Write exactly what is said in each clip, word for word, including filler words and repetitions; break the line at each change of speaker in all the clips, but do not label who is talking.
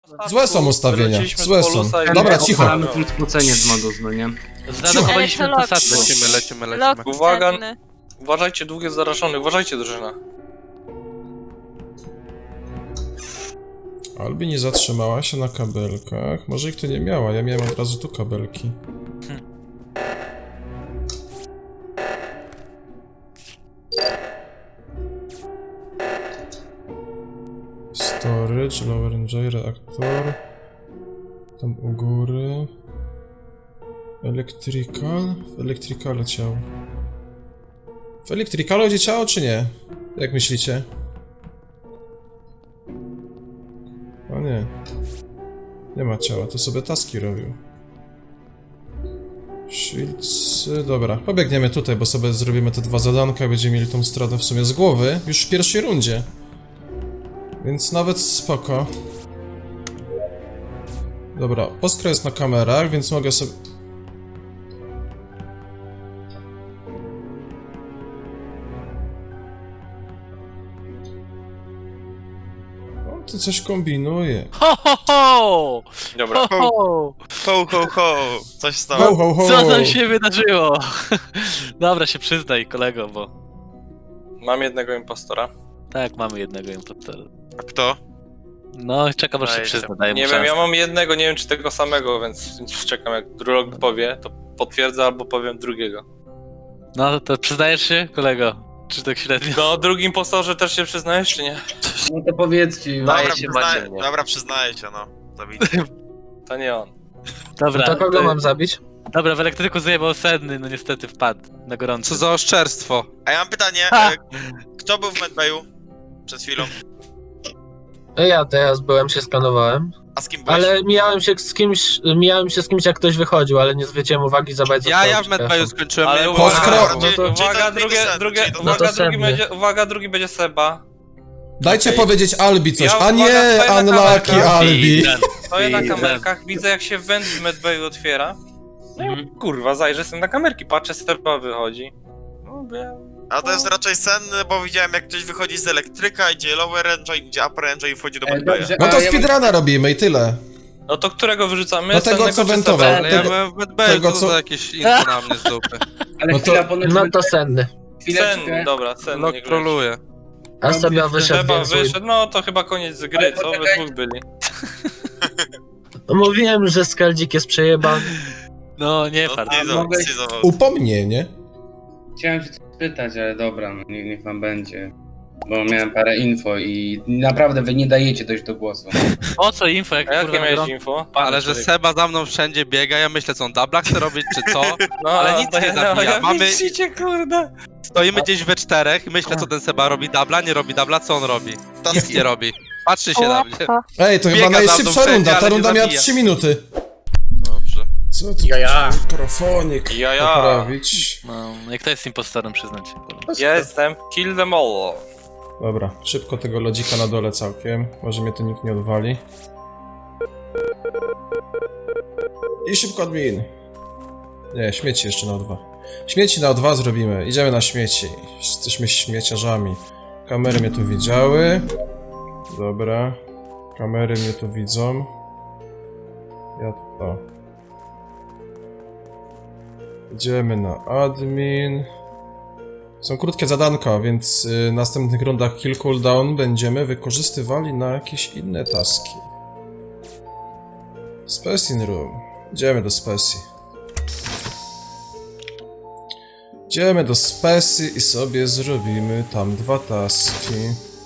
Złe są ustawienia, złe są. Dobra, cicho.
Mamy klucz spocenie z modus, no nie?
Zadawaliśmy posadzkę.
Lecimy, lecimy, lecimy.
Lot
Uwaga.
cenny.
Uważajcie, dwóch jest zarażony, uważajcie, drużyna.
Albi nie zatrzymała się na kabelkach. Może ich tu nie miała, ja miałem od razu tu kabelki. Storage, Lower N J, reaktor. Tam u góry. Electrical? W Electricalu ciało. W Electricalu gdzie ciało, czy nie? Jak myślicie? O nie. Nie ma ciała, to sobie taski robił. Shields... Dobra, pobiegniemy tutaj, bo sobie zrobimy te dwa zadanka, będziemy mieli tą stratę w sumie z głowy, już w pierwszej rundzie. Więc nawet spoko. Dobra, Oskar jest na kamerach, więc mogę sobie... O, tu coś kombinuje.
Ho, ho, ho!
Dobra.
Ho, ho!
Ho, ho, ho! Coś
Ho,
stało.
ho, ho!
Co tam się wydarzyło? Dobra, się przyznaj, kolego, bo...
Mam jednego impostora.
Tak, mamy jednego impostora.
A kto?
No, czekam aż się
Daj się.
przyzna, daj mu
Nie wiem,
szansę.
ja mam jednego, nie wiem czy tego samego, więc więc czekam, jak drog powie, to potwierdzę albo powiem drugiego.
No, to przyznajesz się, kolego? Czy tak średnio?
No, o drugim impostorze też się przyznajesz, czy nie?
No to powiedzcie już.
Dobra,
się
przyznaję,
Maciej, nie?
dobra, przyznaję się, no. Zabij.
To nie on.
Dobra,
To kogo
y,
mam zabić?
Dobra, w elektryku zajebał Senny, no niestety wpadł na gorąco.
Co za oszczerstwo.
A ja mam pytanie,
Ha!
e, kto był w medbayu przed chwilą?
Ja teraz byłem, się skanowałem.
A z kim byłeś?
Ale mijałem się z kimś, mijałem się z kimś jak ktoś wychodził, ale nie zwróciłem uwagi za bardzo.
Ja, ja w medbayu skończyłem.
Ale
nie
uwaga,
było-
Poskro-
no to-
Czyli
uwaga,
to
drugie,
Sen,
drugie,
czyli to-
uwaga,
no to
drugi
Sen,
będzie, uwaga, drugi będzie Seba.
Dajcie
Okej.
powiedzieć Albi coś,
Ja
a nie
uwaga, stoję na
Unlucky
kamerkach.
Albi.
Stoję na
Widzę.
kamerkach, widzę jak się węd w medbayu otwiera. No
Mhm.
i kurwa, zajrzę sobie na kamerki, patrzę, Seba wychodzi. No wiem.
A to jest raczej sen, bo widziałem jak ktoś wychodzi z elektryka, idzie lower engine, idzie upper engine i wchodzi do
E,
medbaya.
dobrze,
No to
a ja mam-
speedruna robimy i tyle.
No to którego wyrzucamy?
No tego,
Sennego
co
czy
wentował.
Sebę?
Ale ja
tego-
byłem w medbayu,
tego,
co
co-
za jakieś info na mnie z dupy.
Ale
No to-
chwila, ponoć...
No to senny.
Chwileczkę.
Sen, dobra, Sen.
Lok
niech leci.
troluje.
A sobie wyszedł,
Seba
więc...
wyszedł, no to chyba koniec z gry,
Ale
co? We
poczekaj.
dwóch byli.
Mówiłem, że skaldzik jest przejebany.
No, nie
No,
fart.
schizo-
mogę-
schizował.
Upomnienie.
Chciałem się coś spytać, ale dobra, no niech, niech wam będzie. Bo miałem parę info i naprawdę wy nie dajecie dojść do głosu.
Po co info, jak
A jakie
kurwa
miałeś
gorąco?
info?
Ale że
człowiek.
Seba za mną wszędzie biega, ja myślę, co on dubla chce robić, czy co?
No,
Ale nic
to
nie
ja-
zabija.
ja
Mamy-
Widzicie, kurde.
Stoimy gdzieś we czterech i myślę, co ten Seba robi dubla, nie robi dubla, co on robi? Nic nie robi. Patrzy się na mnie.
Ej, to chyba
Biega za mną
najszybsza
wszędzie,
runda, ta
ale nie
runda miała
zabija.
trzy minuty.
Dobrze.
Co tu
Ja, ja.
mikrofonik
Ja, ja.
poprawić?
No, jak to jest impostorem, przyznać się. kurwa.
Ja jestem kill them all.
Dobra, szybko tego lodzika na dole całkiem. Może mnie tu nikt nie odwali. I szybko admin. Nie, śmieci jeszcze na O dwa. Śmieci na O dwa zrobimy. Idziemy na śmieci. Jesteśmy śmieciarzami. Kamery mnie tu widziały. Dobra. Kamery mnie tu widzą. Ja tu... O. Idziemy na admin. Są krótkie zadanka, więc y, w następnych rundach kill cooldown będziemy wykorzystywali na jakieś inne taski. Spacing Room. Idziemy do Speci. Idziemy do Speci i sobie zrobimy tam dwa taski.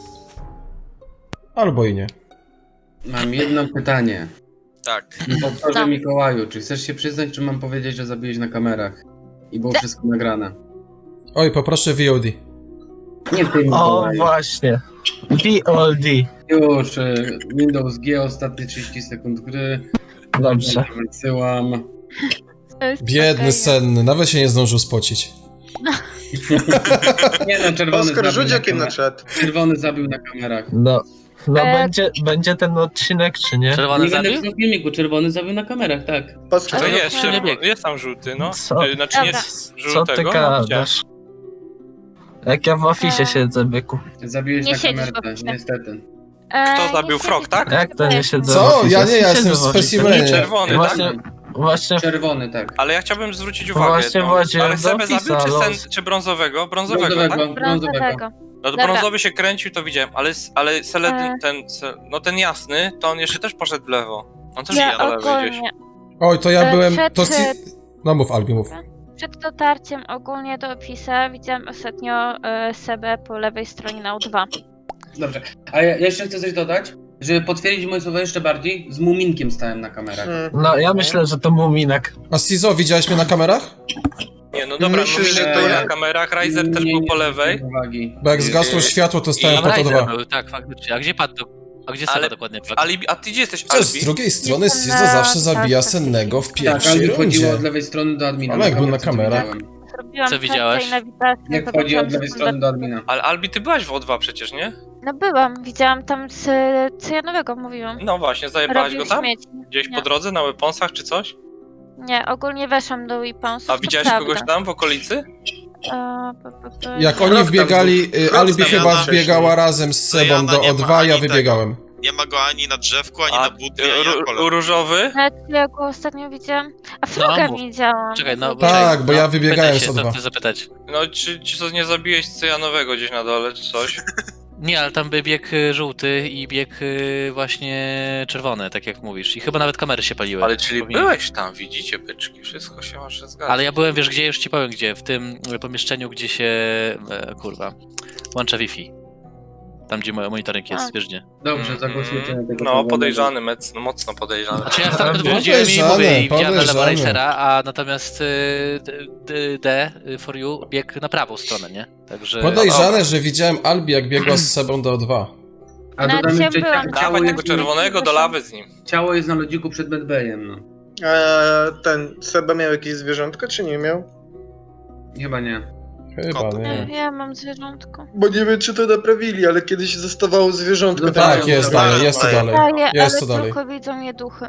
Albo i nie.
Mam jedno pytanie.
Tak.
Powtórzę
No.
Mikołaju, czy chcesz się przyznać, czy mam powiedzieć, że zabiłeś na kamerach? I było wszystko nagrane.
Oj, poproszę V O D.
Nie ty,
O,
Mikołaju.
właśnie. V O D.
Już, y, Windows G, ostatnie trzydzieści sekund gry.
Dobrze.
Wysyłam.
Biedny, senny, nawet się nie zdążył spocić.
Nie no, czerwony
Oskar,
zabił
rzuć
na
okiem na
kamerach.
czat.
Czerwony zabił na kamerach.
No. No
E-
będzie, będzie ten odcinek, czy nie?
Czerwony
Nie będę
zabił?
w filmiku, czerwony zabił na kamerach, tak.
Oskar,
To
Ale
jest,
to nie
czerwo-
bieg.
jest tam żółty, no.
Co?
Y, Znaczy nie
Dobra.
Co ty
żółtego, no, gdzie?
gadasz? Jak ja w ofisie
Eee.
siedzę, byku.
Zabiłeś
Nie
na
siedzisz w
kamerkę,
oficie.
niestety.
Kto zabił Frog, tak?
Jak to nie siedzę w
Co?
oficie?
Ja nie, ja
Siedzę
jestem
w
w
oficie.
specimenie.
Czerwony,
Właśnie,
tak?
właśnie,
Czerwony, tak.
Ale ja chciałbym zwrócić
No
uwagę
właśnie
jedną.
wchodziłem
Ale
do
Sebę
Office'a,
zabił czy,
los.
ten, czy brązowego? Brązowego,
Brązowego,
tak?
brązowego.
Brązowego.
No to
Dobra.
brązowy się kręcił, to widziałem, ale, ale Seledy,
E.
ten, se, no ten jasny, to on jeszcze też poszedł w lewo. On też
Ja
ja na lewo gdzieś.
ogólnie,
Oj, to ja
E,
byłem...
przed-
To si... No mów, Albi, mów.
przed dotarciem ogólnie do Office'a widziałam ostatnio e, Sebę po lewej stronie na U dwa.
Dobrze. A ja jeszcze chcę coś dodać, żeby potwierdzić moje słowa jeszcze bardziej. Z Muminkiem stałem na kamerach.
No ja myślę, że to Muminek.
A Sizo, widziałeś mnie na kamerach?
Nie, no dobra,
Myślę,
Myślę,
że
że
to
na
ja.
kamerach, Riser też
Nie,
był
nie
po
zwróciłem
lewej.
uwagi.
Bo jak zgasło
Yy,
światło, to stałem
Tam
po to
Riser
dwa.
był, tak, faktycznie. A gdzie padł? A gdzie
Ale-
Seba dokładnie padł?
Alibi, a ty gdzie jesteś,
Chociaż z
Albi?
drugiej strony
Jestem
Sizo
na-
zawsze zabija
tak,
sennego w
Tak,
pierwszej
Albi chodziło
rundzie.
od lewej strony do admina.
Ale jak był na
Naprawdę, co
kamerach?
widziałem.
Zrobiłam
Co widziałaś?
kartę i nawigację,
Jak
zobaczyłam,
chodzi od
że
lewej
są
strony do
bez-
admina.
Ale Albi, ty byłaś w O dwa przecież, nie?
No byłam, widziałam tam z cyjanowego, mówiłam.
No właśnie, zajebałaś
Robił
go tam?
śmieci.
Gdzieś
Nie.
po drodze, na weaponsach czy coś?
Nie, ogólnie weszłam do Weaponsów,
A
to
widziałeś
prawda.
kogoś tam w okolicy?
E, p- p- p-
Jak
nie.
oni
tam
wbiegali,
był.
y,
Rok
Albi
tam
chyba
jadł
wbiegała
wcześniej.
razem z
To
Sebą
Jana
do
nie
O
ma
dwa, ja
ani
wybiegałem.
Nie ma go ani na drzewku, ani
A
na butli, ani na
ru-
kole.
różowy?
Nawet ja go ostatnio widziałam. A Froga
mów.
widziałam.
Czekaj, no
Tak,
czekaj,
bo
no,
ja wybiegałem
pytaj
z
się,
O
to
dwa.
chcę zapytać.
No, czy, czy co, nie zabiłeś cyjanowego gdzieś na dole, czy coś?
Nie, ale tam by bieg y, żółty i bieg y, właśnie czerwony, tak jak mówisz. I chyba nawet kamery się paliły.
Ale czyli
Powinien-
byłeś tam, widzicie byczki, wszystko się wasze zgadza.
Ale ja byłem, wiesz gdzie, już ci powiem gdzie, w tym pomieszczeniu, gdzie się, e, kurwa, łącza Wi-Fi. Tam, gdzie mo- monitoring jest,
A.
wiesz gdzie.
Dobrze,
Mhm.
zagłosujcie na tego.
No,
czerwonego.
podejrzany, mec, no, mocno podejrzany.
Znaczy ja sam
Podejrzane,
wchodziłem i mówię, i widziałem na lewo
podejrzane.
Racera, a natomiast y, D, D y, for you biegł na prawą stronę, nie? Także...
Podejrzane, że widziałem Albi jak biegła z Sebą do O dwa.
A
Nawet
dodam
ja
jeszcze,
byłam.
ciało
Dawaj
jest,
tego czerwonego do lawy z nim.
ciało jest na lodziku przed medbayem, no.
A ten Seba miał jakieś zwierzątko, czy nie miał?
Chyba nie.
Chyba
Kot.
Ja,
nie.
ja mam zwierzątko.
Bo nie wiem, czy to naprawili, ale kiedyś zostawało zwierzątko.
No
tam.
Tak, jest
Dobra,
dalej, jest to
dobra.
dalej.
Daję,
Jest
ale
to dalej.
tylko widzą je duchy.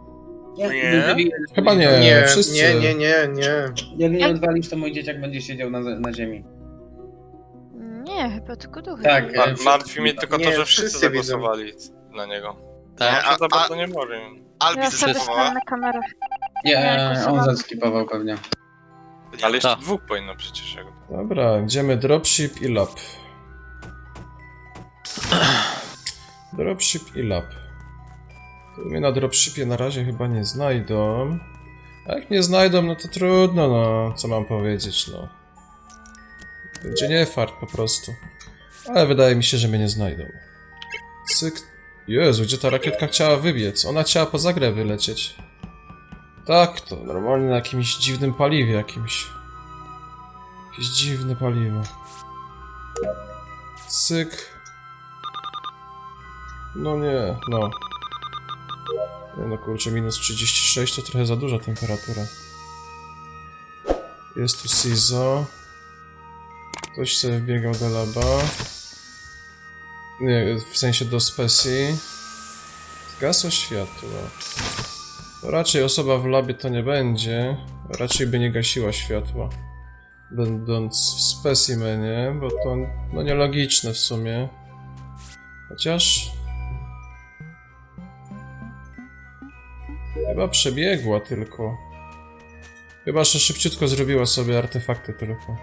Nie?
Chyba nie,
Nie,
wszyscy.
nie, nie, nie, nie.
Jak nie odwalisz, to mój dzieciak będzie siedział na, na ziemi.
Nie, chyba tylko duchy.
Tak,
Ma,
e,
martwi mnie tylko to,
Nie,
że wszyscy
wszyscy widzą.
zagłosowali na niego.
Tak,
Ja
a-
się za
a-
bardzo nie może.
Albi
Ja sobie
zeskipowała.
stałam na kamerach.
Nie,
Nie,
e, on
głosowałam.
zaskipował pewnie.
Ale jeszcze
Tak.
dwóch powinno przecież. jakby.
Dobra, idziemy dropship i lab. Dropship i lab. To mnie na dropshipie na razie chyba nie znajdą. A jak nie znajdą, no to trudno, no. Co mam powiedzieć, no. Będzie nie fart po prostu. Ale wydaje mi się, że mnie nie znajdą. Cyk. Jezu, gdzie ta rakietka chciała wybiec? Ona chciała poza grę wylecieć. Tak, to normalnie na jakimś dziwnym paliwie jakimś. Jakieś dziwne paliwo. Cyk. No nie, no. Nie no kurczę, minus trzydzieści sześć to trochę za duża temperatura. Jest tu Sizo. Ktoś sobie wbiegał do laba. Nie, w sensie do Speci. Zgasło światło. To raczej osoba w labie to nie będzie. Raczej by nie gasiła światła. Będąc w specimenie, bo to no nielogiczne w sumie. Chociaż... Chyba przebiegła tylko. Chyba, że szybciutko zrobiła sobie artefakty tylko.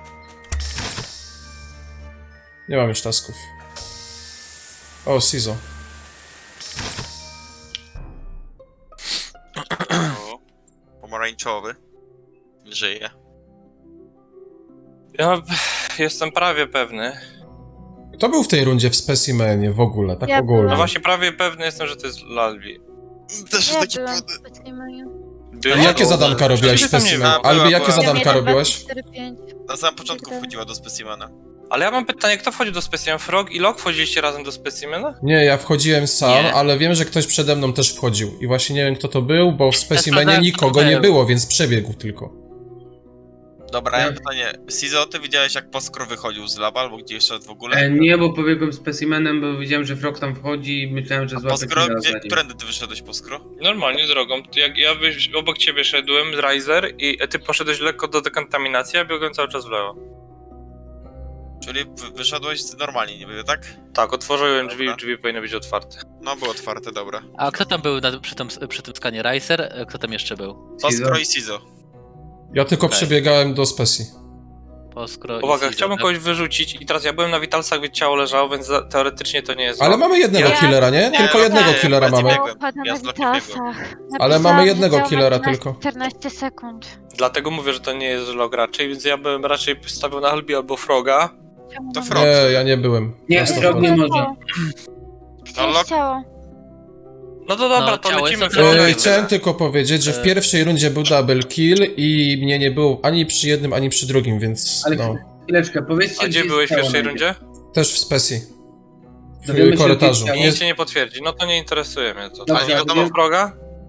Nie mam już tasków. O, Sizo.
O, pomarańczowy. Żyje.
Ja jestem prawie pewny.
Kto był w tej rundzie w specimenie w ogóle, tak
Ja
ogólnie?
No
byłam.
właśnie prawie pewny jestem, że to jest Lalbi.
Też
Ja
taki
byłam
pewny.
w specimeniu.
A jakie zadanka robiłaś w
Przecież tam nie
specimenie?
ma.
Albi,
Była,
jakie
była.
zadanka
jeden, dwa,
robiłaś?
trzy, cztery, pięć.
Na samym początku wchodziła do specimena.
Ale ja mam pytanie, kto wchodził do Specimen? Frog i Lok wchodziliście razem do Specimena?
Nie, ja wchodziłem sam,
Nie.
ale wiem, że ktoś przede mną też wchodził. I właśnie nie wiem, kto to był, bo w specimenie
sprawdzałem,
nikogo nie
sprawdzałem.
było, więc przebiegł tylko.
Dobra, ja mam pytanie. Sizo, ty widziałeś jak Poskro wychodził z laba, albo gdzie jeszcze w ogóle?
E, nie, bo pobiegłem specimenem, bo widziałem, że Frog tam wchodzi i myślałem, że złapie
Poskro?
killa
Gdzie,
za nim.
którędy ty wyszedłeś, Poskro?
Normalnie drogą. Jak ja wyś- obok ciebie szedłem, Riser, i ty poszedłeś lekko do dekontaminacji, a biegłem cały czas w lewo.
Czyli wy- wyszedłeś normalnie niby, tak?
Tak, otworzyłem drzwi,
Dobra.
drzwi powinny być otwarte.
No, było otwarte, dobra.
A kto tam był na, przy, tym, przy tym skanie? Riser? Kto tam jeszcze był?
Toskro i Sizo.
Ja tylko
Okej.
przebiegałem do Spesji.
Poskro i
Uwaga,
Caesar,
chciałbym
tak?
kogoś wyrzucić i teraz ja byłem na Witalsach, gdzie ciało leżało, więc za- teoretycznie to nie jest...
Ale
zło.
mamy jednego
Ja-
killera, nie?
Nie,
Tylko
no
jednego
tak,
killera
bardziej
mamy.
biegłem.
Upada
Ja
na
z Lokiem biegłem.
Witalsach.
Ale
Napisałam,
mamy
że
jednego
działa
killera
trzynaście
tylko.
czternaście sekund.
Dlatego mówię, że to nie jest log raczej, więc ja bym raczej stawiał na Albi albo Froga.
Czemu
To
mam-
Frog.
Nie, ja nie byłem.
Nie,
Na sto
Frog nie
procent.
może.
Gdzie
No,
jest
lok-
ciało?
No to dobra,
No,
to
ciało
lecimy
jest
Froga
obronione.
E,
i
Chciałem
tyle.
tylko powiedzieć, że w
E.
pierwszej rundzie był double kill i mnie nie było ani przy jednym, ani przy drugim, więc
Ale
no.
chwileczkę, powiedzcie,
A gdzie
jest
byłeś w
ciało
pierwszej
najpierw.
rundzie?
Też w Spesji.
Dowiemy się,
W korytarzu.
gdzie jest
I
Nie...
nic się nie potwierdzi, no to nie interesuje mnie to.
Dobra,
A nie wiadomo
wiem.
Froga?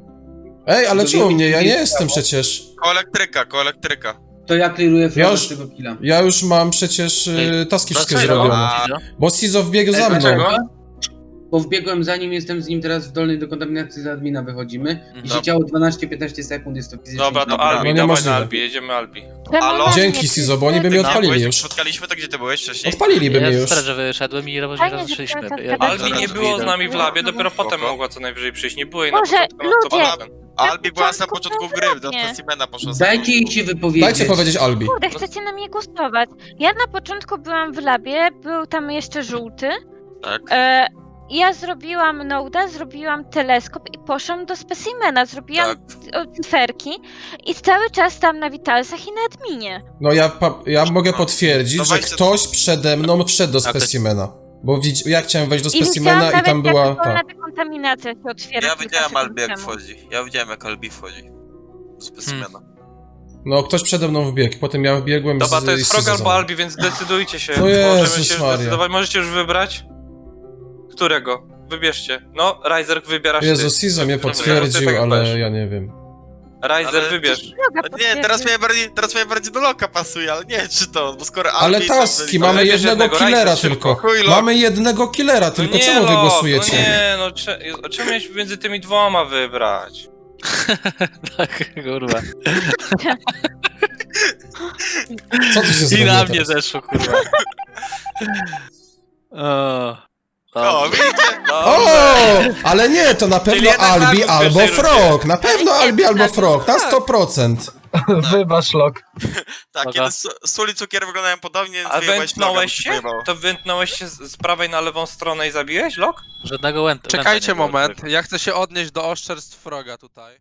Ej, ale
Dowiemy
czemu mnie?
się,
Ja
gdzie
nie
jest
jestem
ciało.
przecież.
Ko elektryka, ko elektryka.
To ja kliruję Froga
już-
z tego killa.
Ja już mam przecież y, taski wszystkie
Dlaczego?
zrobione.
A,
Caesar?
Bo Sizo wbiegł
Ej,
za mną.
dlaczego?
Bo wbiegłem za nim, jestem z nim teraz w dolnej dekontaminacji z admina wychodzimy. I się
Dobra.
działo dwanaście piętnaście sekund, jest to fizycznie.
Dobra, to
nieprawda.
Albi,
No
dawaj
niemożliwe.
na Albi, jedziemy Albi.
Czemu
Halo?
na
Dzięki,
mnie
Sizo, bo oni by
wszyscy-
mnie odpalili
byłeś,
już.
spotkaliśmy, to gdzie ty byłeś wcześniej?
Odpaliliby
Ja
mnie
w
już.
straży wyszedłem i roz-
Fajnie, że
rozeszliśmy.
cały czas
Ja-
gadacie.
Albi nie
zaraz
było z
wyjdę.
nami w labie, dopiero
Spoko.
potem mogła co najwyżej przyjść. Nie było jej na
Boże,
początku, no to
ludzie!
potem.
Albi była na samym
początku
początku
było
gry, do
ładnie.
specimena poszła. z
Dajcie jej
początku.
się wypowiedzieć.
Dajcie powiedzieć Albi.
Kurde, chcecie na mnie głosować. Ja na początku byłam w labie, był tam jeszcze żółty.
Tak.
E, ja zrobiłam noda, zrobiłam teleskop i poszłam do specimena. Zrobiłam
Tak.
c- cyferki i cały czas tam na Witalsach i na adminie.
No ja, pa- ja mogę potwierdzić,
No
że
weźcie-
ktoś przede mną wszedł do
A to-
specimena. Bo widz... ja chciałem wejść do
I widziałam
specimena i
nawet,
tam była
jak
ta.
wolna dekontaminacja się otwiera.
Ja
kilka
widziałem
sekund
Albi jak
temu.
wchodzi. Ja widziałem jak Albi wchodzi. Do specimena.
No ktoś przede mną wbiegł, potem ja wbiegłem
Dobra,
z
to jest
z
Frog
Sizo za
albo
mną.
Albi, więc decydujcie się.
No
Możemy
Jezus
się już
Maria.
zdecydować. Możecie już wybrać? Którego? Wybierzcie. No, Riser wybierasz
Jezu,
ty.
Sizo mnie
Dobra,
potwierdził,
ty tak
ale
powiesz.
ja nie wiem.
Riser,
Ale-
wybierz.
Droga
No nie, teraz
potwierdzi.
mnie bardziej, teraz mnie bardziej do loka pasuje, ale nie czy to, bo skoro
Ale
Albi... to
taski,
byli-
mamy
wybierz
jednego
jednego,
killera
Riser,
tylko.
szybko. Chuj, lok.
Mamy jednego killera tylko,
no nie,
czemu wy
Lok,
głosujecie?
No nie, no cze- czemu miałeś między tymi dwoma wybrać?
Tak, kurwa.
Co tu się
I
zrobiło
na mnie
teraz?
zeszło, kurwa. O,
O, widzicie?
O, ale nie, to na pewno
jednak
Albi
Albi w
albo
pierwszej
Frog. Na pewno
Ale nie,
Albi albo
tak.
Frog, na sto procent.
Wybacz, Lok.
Tak,
Dobra.
kiedy su- sól i cukier wyglądają podobnie, więc
A
wyjebałeś Loga, bo
wętnąłeś
się
się?
pojebało.
To wętnąłeś się z, z prawej na lewą stronę i zabiłeś, Lok?
żadnego łęta.
Czekajcie moment, ja chcę się odnieść do oszczerstw Froga tutaj.